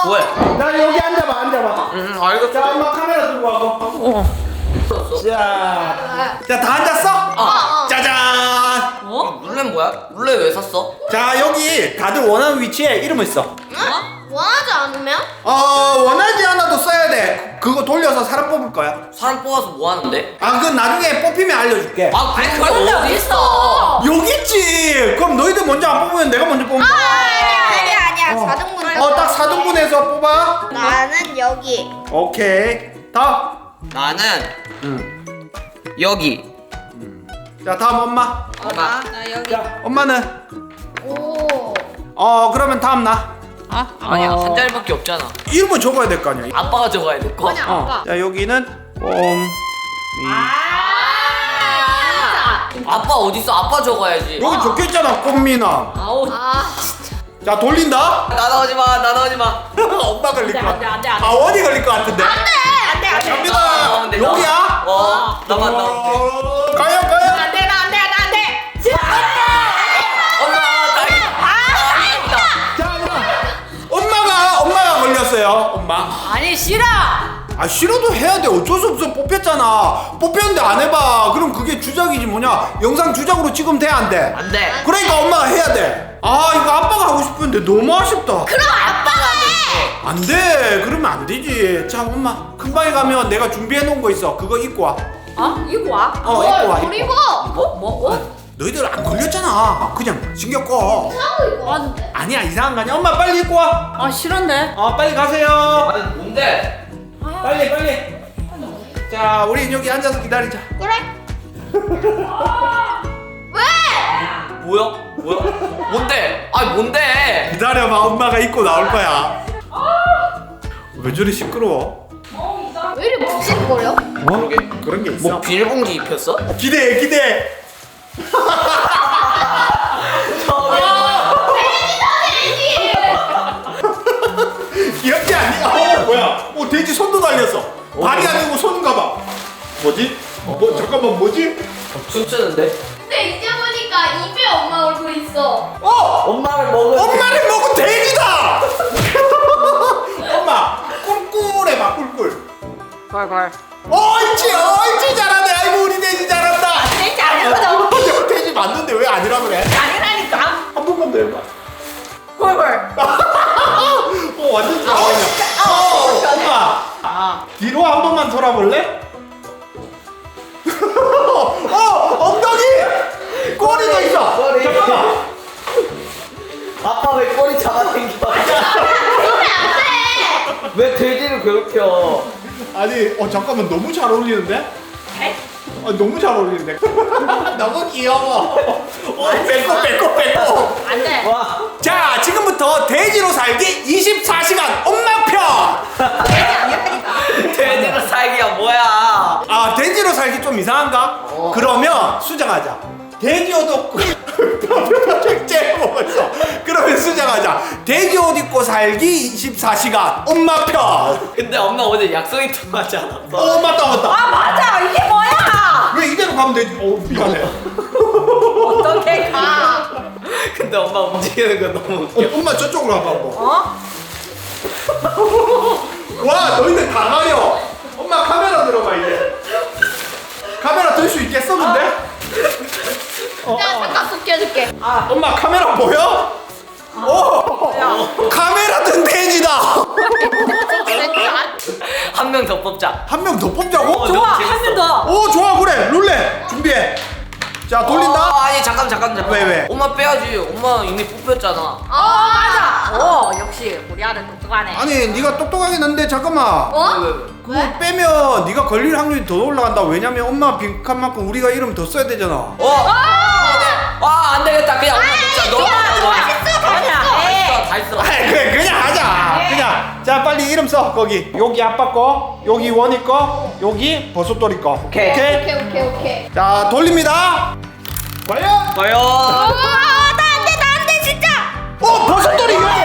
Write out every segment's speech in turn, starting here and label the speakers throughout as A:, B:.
A: 왜?
B: 나 여기 앉아봐.
A: 알겠어.
B: 자, 엄마 카메라 들고 와봐. 자, 다 앉았어? 짜잔.
A: 룰렛 뭐야? 룰렛 왜 샀어?
B: 자, 여기 다들 원하는 위치에 이름을 써.
C: 원하지 않으면?
B: 원하지 않아도 써야 돼. 그거 돌려서 사람 뽑을 거야.
A: 사람 뽑아서 뭐 하는데?
B: 그건 나중에 뽑히면 알려줄게.
A: 그게 어디 있어?
B: 여기 있지. 그럼 너희들 먼저 안 뽑으면 내가 먼저 뽑는 거야.
C: 아니야. 4등분.
B: 딱 4등분해서 뽑아.
C: 나는 여기.
B: 오케이. 다음.
A: 나는 여기.
B: 자, 다음 엄마.
A: 엄마.
D: 나 여기.
B: 자, 엄마는?
C: 오.
B: 그러면 다음 나.
A: 아니야 한 자리밖에 없잖아.
B: 이름은 적어야 될 거 아니야.
A: 아빠가 적어야 될 거.
B: 자, 여기는
A: 아빠 어디 있어? 아빠 적어야지.
B: 여기 적혀있잖아, 꽃미나. 자, 돌린다.
A: 나눠지 마.
B: 엄마 걸릴 것
D: 안 돼,
B: 같아.
D: 안 돼, 안 돼.
B: 원이 걸릴 것 같은데.
D: 안돼 안돼.
B: 갑니다.
A: 근데
B: 여기야?
A: 나만.
B: 가요.
D: 안돼 나 안돼.
A: 엄마 다행이다.
B: 자, 엄마가 걸렸어요. 엄마.
D: 아니 싫어.
B: 싫어도 해야 돼. 어쩔 수 없어. 뽑혔잖아. 뽑혔는데 안 해봐. 그럼 그게 주작이지 뭐냐. 영상 주작으로 찍으면 돼, 안 돼?
A: 안 돼.
B: 그러니까 엄마가 해야 돼. 이거 아빠가 하고 싶은데 너무 아쉽다.
C: 그럼 아빠가 해.
B: 안 돼. 그러면 안 되지. 자, 엄마 금방에 가면 내가 준비해 놓은 거 있어. 그거 입고 와.
D: 이거 와.
B: 입고 와.
C: 그리고
D: 뭐?
B: 너희들 안 걸렸잖아. 그냥 신경 꺼.
C: 하고 이거 왔는데.
B: 아니야, 이상한 거 아니야. 엄마 빨리 입고 와.
D: 싫은데.
B: 빨리 가세요.
A: 아니 뭔데?
B: 빨리. 자, 우리 여기 앉아서 기다리자.
C: 그래? 왜?
A: 뭐야? 뭔데? 뭔데?
B: 기다려봐. 엄마가 입고 나올 거야. 왜 저리 시끄러워?
C: 왜 이렇게 부식거려?
B: 그러게. 그런 게 있어.
A: 뭐 비닐봉지 입혔어?
B: 기대해. 귀엽지 않니? 뭐야? 돼지 손도 달렸어. 발이 아니고 손인가 봐. 뭐지? 잠깐만, 뭐지?
A: 춤추는데?
C: 근데 이제 보니까 입에 엄마 얼굴 있어.
A: 엄마를 먹은.
B: 엄마를 먹은 돼지다! 엄마, 꿀꿀해봐, 꿀꿀.
D: 걸.
B: 옳지, 잘하네. 아이고, 우리 돼지 잘한다.
D: 돼지 아니거든.
B: 돼지 맞는데 왜 아니라 그래?
D: 아니라니까.
B: 한 번만 더 해봐.
D: 걸.
B: 완전 잘하네. 엄마, 뒤로 한 번만 돌아볼래? 엉덩이! 꼬리도 있어.
A: 꼬리.
B: 잠깐만.
A: 아빠 왜 꼬리 잡아당겨? 왜 돼지를 괴롭혀?
B: 아니, 잠깐만, 너무 잘 어울리는데? 너무 잘 어울리는데? 너무 귀여워. 빼고.
D: 안돼.
A: 와.
B: 자, 지금부터 돼지로 살기 24시간 엄마 편!
A: 돼지로 살기가 뭐야?
B: 돼지로 살기 좀 이상한가? 그러면 수정하자. 돼지 옷 입고 제 먹었어. 그러면 수정하자. 돼지 옷 입고 살기 24시간 엄마 편.
A: 근데 엄마 오늘 약속이 통하지 않았어?
B: 맞다.
D: 맞아. 이게 뭐야?
B: 왜 이대로 가면 되지? 미안해.
D: 어떻게 가?
A: 근데 엄마 움직이는 거 너무 웃겨.
B: 엄마 저쪽으로 가봐. 와, 너희들 다 가려. 엄마 카메라 들어봐 이제. 카메라 들 수 있겠어 근데?
C: 내가 잠깐 숙여줄게.
B: 엄마 카메라 보여? 카메라 든 돼지다.
A: 한 명 더 뽑자.
B: 한 명 더 뽑자고?
A: 너무
D: 좋아.
A: 재밌어.
D: 한 명 더.
B: 좋아 그래. 룰렛 준비해. 자, 돌린다.
A: 아니 잠깐.
B: 왜?
A: 엄마 빼야지. 엄마 이미 뽑혔잖아.
D: 맞아. 역시 우리 아들 똑똑하네.
B: 아니, 네가 똑똑하긴 한데 잠깐만.
A: 왜?
B: 그거 빼면 네가 걸릴 확률이 더 올라간다. 왜냐면 엄마 빈칸만큼 우리가 이름 더 써야 되잖아.
A: 안 되겠다. 그냥 엄마 뽑자. 너무 다 했어.
B: 그래, 그냥 하자. 그냥. 자, 빨리 이름 써. 거기. 여기 아빠 거, 여기 원이 거, 여기 버섯돌이 거.
A: 오케이.
C: 오케이.
B: 자, 돌립니다. 과연?
A: 과연.
C: 나안돼 진짜.
B: 버섯돌이 이거.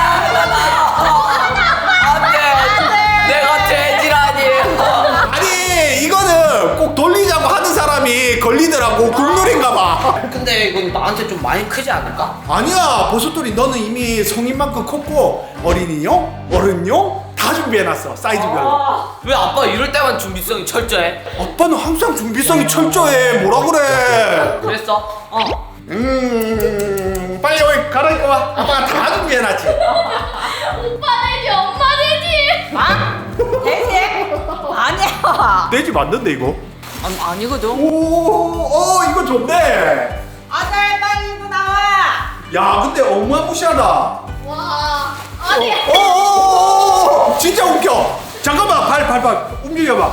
A: 안돼. 내가 돼지라니.
B: 아니, 이거는 꼭 돌리자고 하는 사람이 걸리더라고. 국룰인가 봐.
A: 근데 근데 이건 나한테 좀 많이 크지 않을까?
B: 아니야 버섯돌이 너는 이미 성인만큼 컸고 어린이용 어른용 다 준비해놨어 사이즈별로.
A: 왜 아빠 이럴 때만 준비성이 철저해?
B: 아빠는 항상 준비성이 철저해. 뭐라 그래.
A: 그랬어?
B: 빨리 여기 갈아입고 와. 아빠가 다 준비해놨지.
C: 오빠 돼지, 엄마 돼지.
D: 아? 돼지? 아니야.
B: 돼지 맞는데 이거?
D: 아니거든.
B: 오, 이거 좋네.
D: 아들 빨리 입고 나와.
B: 야 근데 어마무시하다.
C: 와, 아니.
B: 진짜 웃겨. 잠깐만 발 움직여봐.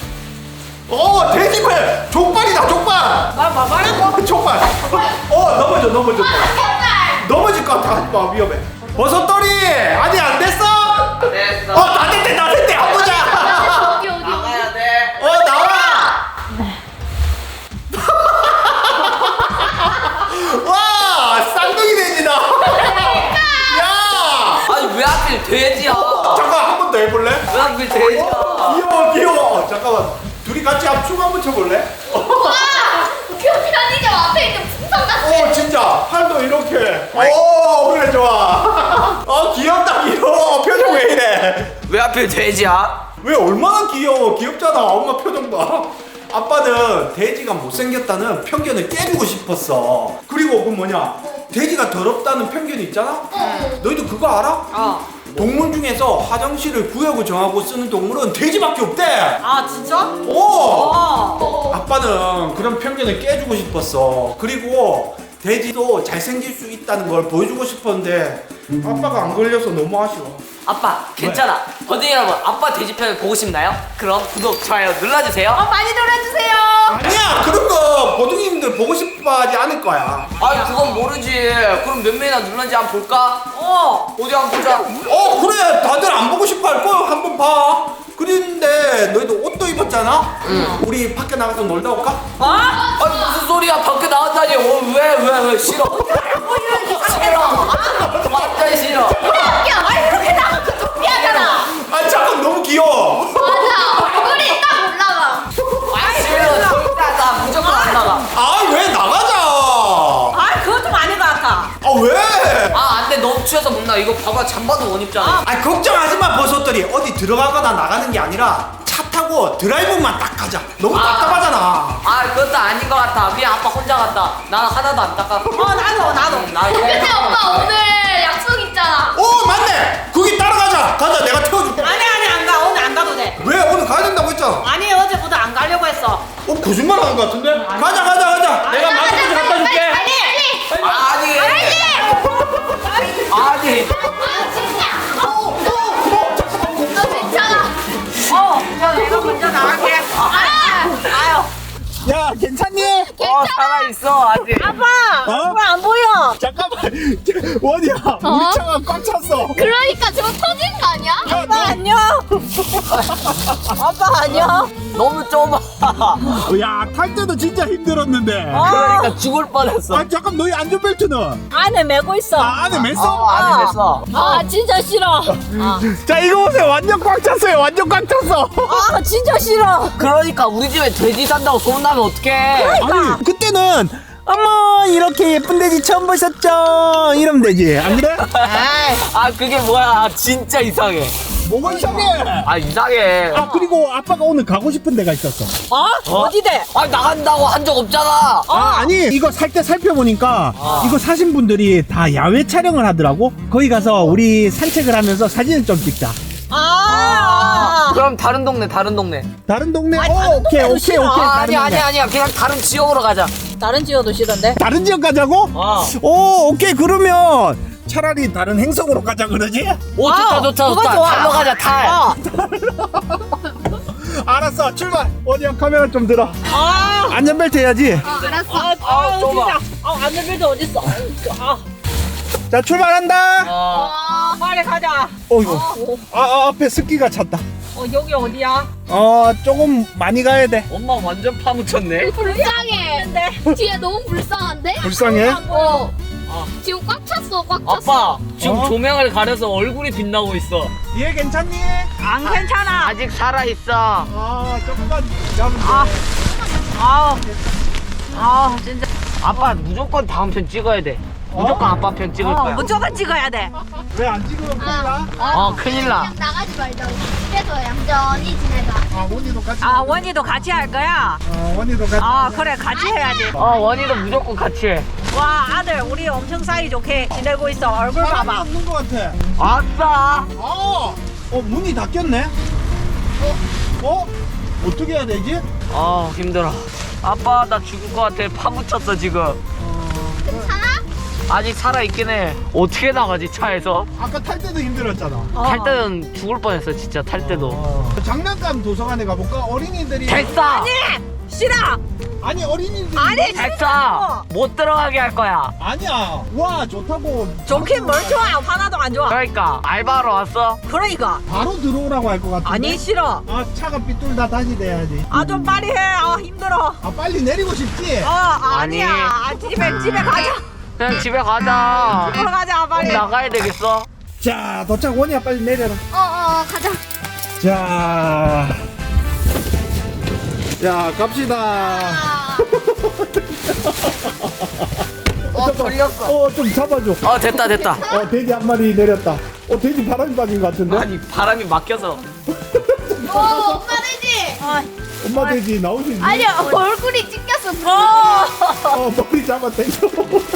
B: 돼지발 족발이다 족발.
D: 뭐라고?
B: 족발. 넘어져.
C: 아,
B: 넘어질 것 같아. 하지마 위험해. 버섯돌이 아니 안 됐어?
A: 됐어.
B: 다 됐대 한 보자.
C: 어디.
A: 나가야 돼.
B: 나와. 와 쌍둥이 돼지다. 야.
A: 아니 왜 하필 돼지야?
B: 잠깐 한 번 더 해볼래?
A: 왜 하필 돼지야?
B: 귀여워. 잠깐만 둘이 같이 춤 한번 춰볼래?
C: 와, 편의점 앞에 있는 풍선 같아.
B: 진짜 팔도 이렇게. 그래 좋아. 귀여워. 표정 왜 이래?
A: 왜 하필 돼지야?
B: 왜 얼마나 귀여워. 귀엽잖아. 엄마 표정 봐. 아빠는 돼지가 못생겼다는 편견을 깨주고 싶었어. 그리고 그 뭐냐, 돼지가 더럽다는 편견이 있잖아. 너희도 그거 알아? 동물 중에서 화장실을 구역을 정하고 쓰는 동물은 돼지밖에 없대.
D: 아 진짜?
B: 아빠는 그런 편견을 깨주고 싶었어. 그리고 돼지도 잘생길 수 있다는 걸 보여주고 싶었는데 아빠가 안 걸려서 너무 아쉬워.
A: 아빠 괜찮아. 버딩 여러분 아빠 돼지편을 보고 싶나요? 그럼 구독 좋아요 눌러주세요.
D: 많이 놀아주세요.
B: 아니야 그런 거 보둥이님들 보고 싶어하지 않을 거야.
A: 아니 그건 모르지. 그럼 몇 명이나 눌렀는지 한번 볼까? 어디 한번 보자.
B: 그래 다들 안 보고 싶어 할 거 한번 봐. 그런데 너희도 옷도 입었잖아. 우리 밖에 나가서 놀다 올까?
A: 아니 무슨 소리야. 밖에 나왔다니. 왜 싫어. 싫어. 완전 싫어.
C: 야, 아니 그렇게 나가면 창피하잖아.
B: 잠깐 너무 귀여워.
C: 맞아, 얼굴이 딱 올라가.
A: 싫어. 진짜 나 무조건 안 나가.
B: 왜 나가자.
D: 그건 좀 아닌 것 같아.
B: 왜?
A: 안돼 너무 추워서 못 나가. 이거 봐봐 잠바도 못 입잖아.
B: 걱정하지 마 버섯들이. 어디 들어가거나 나가는 게 아니라 차 타고 드라이브만 딱 가자. 너무 답답하잖아.
A: 그것도 아닌 것 같아. 그냥 아빠 혼자 갔다. 나는 하나도 안 닦아.
D: 나도.
C: 근데 엄마 오늘 약속 있잖아.
B: 맞네. 거기 따라가자. 가자 내가 태워줄게.
D: 아니 안 가. 오늘 안 가도 돼.
B: 왜 오늘 가야 된다고 했잖아.
D: 아니 어제부터 안 가려고 했어.
B: 거짓말 하는 것 같은데? 가자. 내가 마스크지 갖다 줄게.
A: 아니.
C: 아, 진짜. 너 괜찮아.
D: 내가 먼저 나갈게. 아유.
B: 야 괜찮니?
A: 살아있어 아직.
D: 아빠. 왜 안 보여?
B: 잠깐만. 원이야. 우리 차가 꽉 찼어.
C: 그러니까 저거 터진 거 아니야?
D: 아빠 안녕. 아빠 안녕.
A: 너무 좁아.
B: 탈 때도 진짜 힘들었는데.
A: 그러니까 죽을 뻔했어.
B: 잠깐 너희 안전벨트는?
D: 안에 메고 있어.
B: 안에 맸어?
A: 안 됐어.
D: 진짜 싫어.
B: 자 이거 보세요. 완전 꽉 찼어요. 완전 꽉 찼어.
D: 진짜 싫어.
A: 그러니까 우리 집에 돼지 산다고 소문나면 어떡해.
B: 아니 그때는 어머 이렇게 예쁜 돼지 처음 보셨죠? 이러면 되지 안 그래?
A: 그게 뭐야. 진짜 이상해.
B: 뭐가 이상해?
A: 이상해.
B: 그리고 아빠가 오늘 가고 싶은 데가 있었어.
D: 어디대?
A: 나간다고 한 적 없잖아.
B: 아니 이거 살 때 살펴보니까 이거 사신 분들이 다 야외 촬영을 하더라고. 거기 가서 우리 산책을 하면서 사진을 좀 찍자.
A: 그럼 다른 동네.
B: 다른 동네?
D: 다른
B: 오케이
D: 동네도 싫어.
B: 다른 동네.
A: 아니야. 그냥 다른 지역으로 가자.
D: 다른 지어도 싫은데?
B: 다른 지역 가자고? 오케이 그러면 차라리 다른 행성으로 가자 그러지?
A: 오 좋다.
D: 그거 좋아.
A: 달러 가자 탈.
B: 알았어 출발. 어디야 카메라 좀 들어. 안전벨트 해야지.
C: 알았어.
A: 좁아.
D: 안전벨트 어딨어?
B: 자 출발한다.
D: 빨리 가자.
B: 이거 앞에 습기가 찼다.
D: 여기 어디야?
B: 조금 많이 가야 돼.
A: 엄마 완전 파묻혔네.
C: 불쌍해. 뒤에 너무 불쌍한데?
B: 불쌍해?
C: 지금 꽉 찼어, 꽉 찼어.
A: 아빠 지금 조명을 가려서 얼굴이 빛나고 있어.
B: 얘 괜찮니?
D: 안 괜찮아.
A: 아직 살아있어.
B: 조금만 잡으면 돼.
D: 진짜.
A: 아빠 무조건 다음 편 찍어야 돼. 무조건 아빠 편 찍을 거야.
D: 무조건 찍어야 돼.
B: 왜 안 찍으면 큰일 나?
A: 큰일 나.
C: 그냥 나가지 말자고. 집에서 얌전히 지내자.
B: 아 원이도 같이.
D: 아, 원이도 같이 할 거야?
B: 원이도 같이.
D: 아, 그래, 같이 해야지.
A: 원이도 무조건 같이 해.
D: 와, 아들, 우리 엄청 사이좋게 지내고 있어. 얼굴
B: 사람이
D: 봐봐.
B: 없는 것 같아.
A: 아싸.
B: 문이 닫혔네. 어떻게 해야 되지?
A: 힘들어. 아빠 나 죽을 것 같아. 파묻혔어 지금.
C: 괜찮아?
A: 아직 살아있긴 해. 어떻게 나가지 차에서?
B: 아까 탈 때도 힘들었잖아.
A: 탈 때는 죽을 뻔했어 진짜 탈 때도.
B: 장난감 도서관에 가볼까? 어린이들이.
A: 됐어.
D: 아니! 싫어!
B: 아니 어린이들이.
D: 아니,
A: 됐어. 못 들어가게 할 거야.
B: 아니야. 와 좋다고.
D: 좋긴 뭘 좋아. 하나도 안 좋아.
A: 그러니까 알바하러 왔어?
D: 그러니까.
B: 바로 들어오라고 할 것 같은데.
D: 아니, 싫어.
B: 차가 삐뚤다 다시 돼야지.
D: 아, 좀 빨리 해. 힘들어.
B: 빨리 내리고 싶지?
D: 아니야. 집에 가자.
A: 그냥 집에 가자.
D: 집으로 가자, 빨리.
A: 나가야 되겠어?
B: 자 도착. 원이야 빨리 내려라.
C: 가자.
B: 자 갑시다.
A: 돌렸어.
B: 좀 잡아줘.
A: 됐다.
B: 돼지 한 마리 내렸다. 돼지 바람이 빠진 것 같은데?
A: 아니 바람이 막혀서.
C: 엄마 되지?
B: 엄마 돼지 나올 수 있니?
C: 아니야, 얼굴이 찢겼어.
B: 머리 잡아 당겨.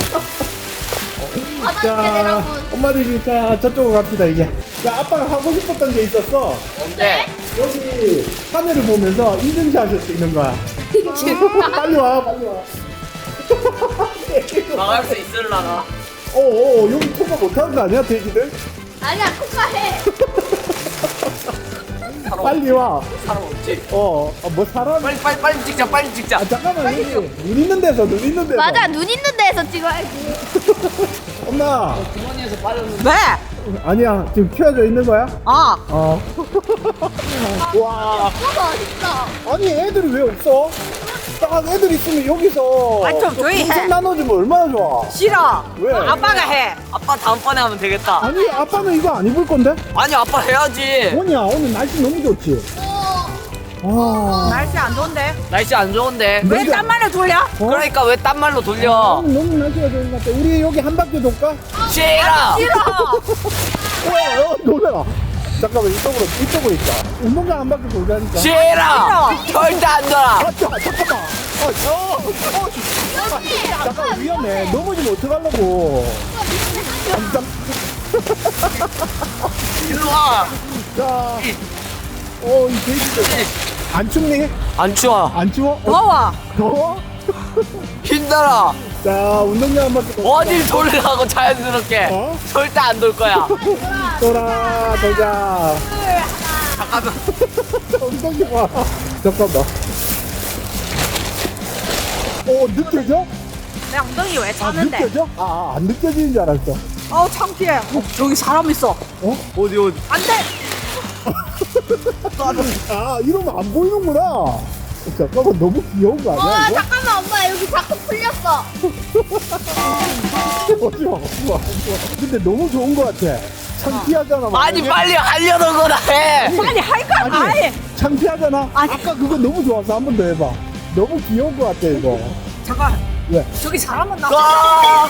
C: 바닥에 내라고.
B: 엄마 돼지 자 저쪽으로 갑시다 이제. 자 아빠가 하고 싶었던 게 있었어.
A: 뭔데?
B: 여기 하늘을 보면서 인증샷 할 수 있는 거야. 빨리 와.
A: 나갈 수 있을라나?
B: 여기 통과 못하는 거 아니야 돼지들?
C: 아니야, 통과해.
B: 빨리 와.
A: 사람 없지?
B: 뭐 사람?
A: 빨리 찍자.
B: 잠깐만 여기 눈 있는 데서.
C: 맞아, 눈 있는 데서 찍어야지.
B: 엄마.
A: 주머니에서 빠졌는데.
D: 왜?
B: 아니야 지금 켜져 있는 거야? 와.
C: 멋있어.
B: 아니 애들이 왜 없어? 딱 애들 있으면 여기서
D: 아니, 좀 조용히 해.
B: 풍선 나눠주면 얼마나 좋아.
D: 싫어.
B: 왜?
D: 아빠가 해.
A: 아빠 다음번에 하면 되겠다.
B: 아니 아빠는 이거 안 입을 건데?
A: 아니 아빠 해야지.
B: 뭐냐 오늘 날씨 너무 좋지? 와.
D: 날씨 안 좋은데?
A: 날씨 안 좋은데.
D: 왜 딴말을 돌려?
A: 그러니까 왜 딴 말로 돌려?
B: 오늘 너무 날씨가 좋은 것 같아. 우리 여기 한 바퀴 돌까?
A: 싫어.
D: 싫어.
B: 놀래라. 잠깐만 이쪽으로 있자. 운동장 한 바퀴 돌자니까.
A: 싫어. 절대 안 돌아.
B: 잠깐만. 잠깐 위험해. 넘어지면 어떡하려고.
A: 일로 와.
B: 자. 이 돼지들. 안 춥니?
A: 안 추워.
B: 안 추워?
D: 더워.
B: 더워?
A: 힘들어.
B: 자, 운동장 한 바퀴 돌자.
A: 어딜 돌라고 자연스럽게. 절대 안 돌 거야.
B: 돌자.
A: 잠깐만.
B: 운동장 와. 잠깐만. 느껴져?
D: 내 엉덩이 왜 차는데?
B: 느껴져? 안 느껴지는 줄 알았어.
D: 창피해. 저기 사람 있어.
A: 어디?
D: 안 돼.
B: 이러면 안 보이는구나. 잠깐만, 너무 귀여운 거 아니야, 이거?
C: 잠깐만, 엄마 여기 자꾸 풀렸어.
B: 좋아. 근데 너무 좋은 거 같아. 창피하잖아.
A: 아니 빨리 하려는 거나 해.
D: 빨리 할 거야. 아니.
B: 창피하잖아. 아까 그거 너무 좋아서 한 번 더 해봐. 너무 귀여운 거 같아, 이거.
D: 잠깐.
B: 왜?
D: 저기 사람은 나.
A: 아!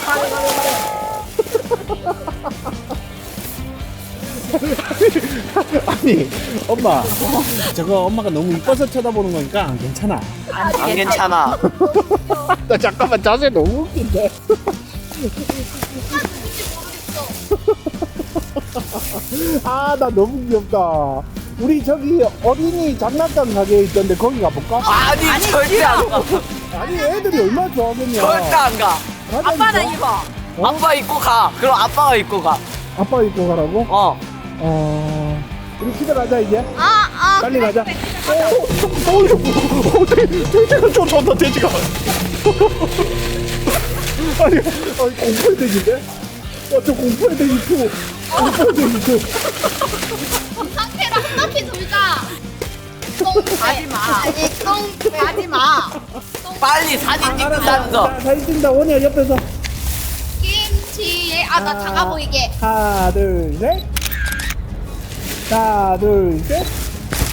B: 아니, 엄마. 저거 엄마가 너무 이뻐서 쳐다보는 거니까 괜찮아.
A: 안 괜찮아.
B: 나 잠깐만 자세 너무 웃긴데. 나 너무 귀엽다. 우리 저기 어린이 장난감 가게에 있던데 거기 가볼까?
A: 아니 절대 안 가.
B: 아니 애들이 얼마나 좋아하겠냐.
A: 절대 안 가.
B: 가자니까.
D: 아빠는 이거.
A: 아빠 입고 가. 그럼 아빠가 입고 가.
B: 아빠 입고 가라고? 우리 집에 가자 이제. 빨리 가자. 돼지가 쫓아온다 돼지가. 아니 공포의 돼지인데? 저 공포의 돼지 2. 공포의 돼지 2.
C: 상태로 한 바퀴 돌자.
D: 하지 마.
C: 아니,
D: 하지 마.
A: 빨리 사진 찍는다면서.
B: 자, 사진 찍는다. 원이야 옆에서.
C: 김치. 나 작아 보이게.
B: 하나 둘 셋. 하나 둘 셋.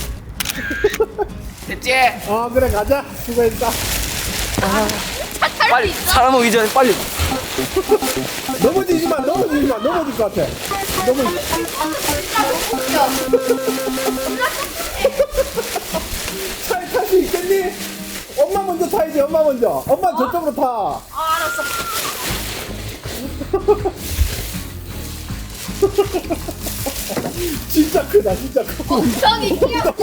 A: 됐지?
B: 그래 가자. 수고했다.
C: 차 탈
A: 빨리 사람 오기 전에 빨리.
B: 넘어지지 마, 넘어질 것 같아. 차에 탈 수 있겠니? 엄마 먼저 타야지, 엄마 먼저. 엄마 저쪽으로 타.
D: 알았어.
B: 진짜 크다, 진짜 크고.
C: 엉덩이 귀엽다.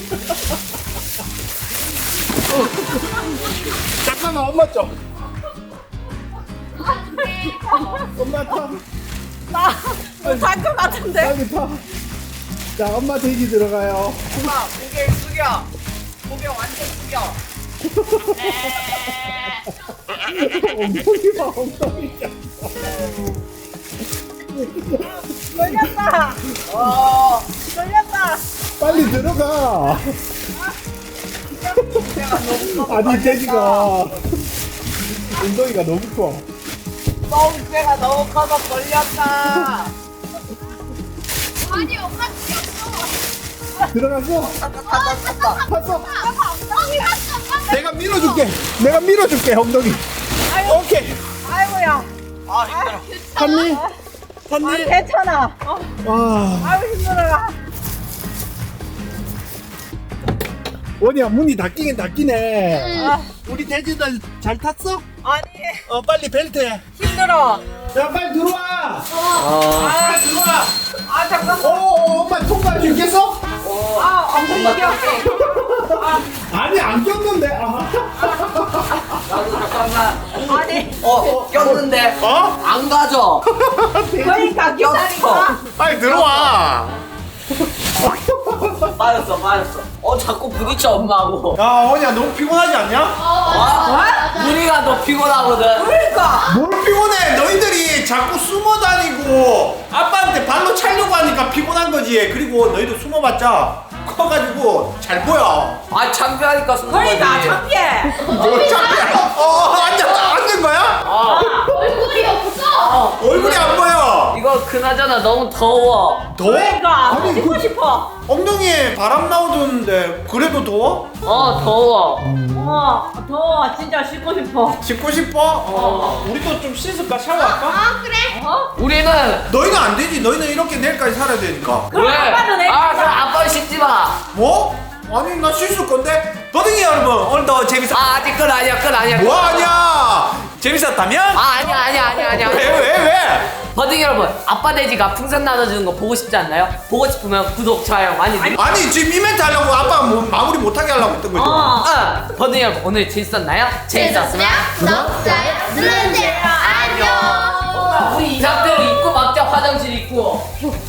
B: 잠깐만, 엄마 좀. 엄마 타.
D: 나못할 것 같은데.
B: 여기 타. 자, 엄마 대기 들어가요.
D: 엄마 고개 숙여. 고개 완전 숙여.
B: 엉덩이 봐, 엉덩이.
D: 걸렸다. 걸렸다.
B: 빨리 들어가. 아니, 돼지가. 엉덩이가 너무 커.
D: 똥배가 너무 커서 걸렸다.
C: 아니 엄마 귀엽어.
B: 들어갔어? 탔어?
C: 엉덩이 갔어.
B: 내가 밀어줄게, 엉덩이. 오케이.
D: 아이고야.
B: 탔니?
D: 아니 괜찮아.
B: 와.
D: 아이고 힘들어라.
B: 원이야, 문이 닫히긴 닫히네.
D: 아,
B: 우리 돼지들 잘 탔어?
D: 아니
B: 빨리 벨트 해.
D: 힘들어.
B: 야, 빨리 들어와.
D: 아,
B: 빨리 들어와.
D: 아 잠깐만.
B: 엄마 통과할 수 있겠어?
D: 아 엉덩이 꼈어.
B: 아니, 안 꼈는데.
A: 나도 잠깐만.
D: 아니
A: 꼈는데
B: 어?
A: 안 가져.
D: 그러니까 기다리고.
B: 빨리 들어와.
A: 빠졌어. 자꾸 부딪혀 엄마하고.
B: 야, 원이야, 너무 피곤하지 않냐?
A: 우리가 너 피곤하거든.
D: 그러니까.
B: 뭘 피곤해? 너희들이 자꾸 숨어 다니고 아빠한테 발로 차려고 하니까 피곤한 거지. 그리고 너희들 숨어봤자 커가지고 잘 보여.
A: 아 창피하니까 숨는 거지.
D: 그러니까 창피해.
B: 뭘 창피해? 앉은 거야?
C: 얼굴이 없어.
B: 얼굴이 안 보여.
A: 이거 그나저나 너무 더워.
B: 더워?
D: 그러니까
B: 아니,
D: 씻고 싶어.
B: 엉덩이에 바람 나오던데 그래도 더워?
A: 더워.
D: 더워. 진짜 씻고 싶어.
B: 씻고 싶어? 우리도 좀 씻을까? 샤워할까?
C: 아 그래.
A: 우리는
B: 너희는 안 되지. 너희는 이렇게 내일까지 살아야 되니까.
D: 그럼
A: 왜?
D: 아빠는 내
A: 그럼 아빠 씻지 마.
B: 뭐? 아니, 나 씻을 건데. 버둥이 여러분, 오늘도 재밌었.
A: 아직 끝 아니야.
B: 뭐 아니야? 재밌었다면?
A: 아니야.
B: 왜?
A: 버딩 여러분, 아빠 돼지가 풍선 나눠주는 거 보고 싶지 않나요? 보고 싶으면 구독, 좋아요 많이 눌러.
B: 아니, 지금 이벤트 하려고 아빠가 뭐 마무리 못하게 하려고 했던 거죠.
A: 버딩 여러분, 오늘 재밌었나요? 재밌었으면
C: 구독, 좋아요 눌러주세요. 안녕.
A: 우리 이 상태로 입고 막자 화장실 입고.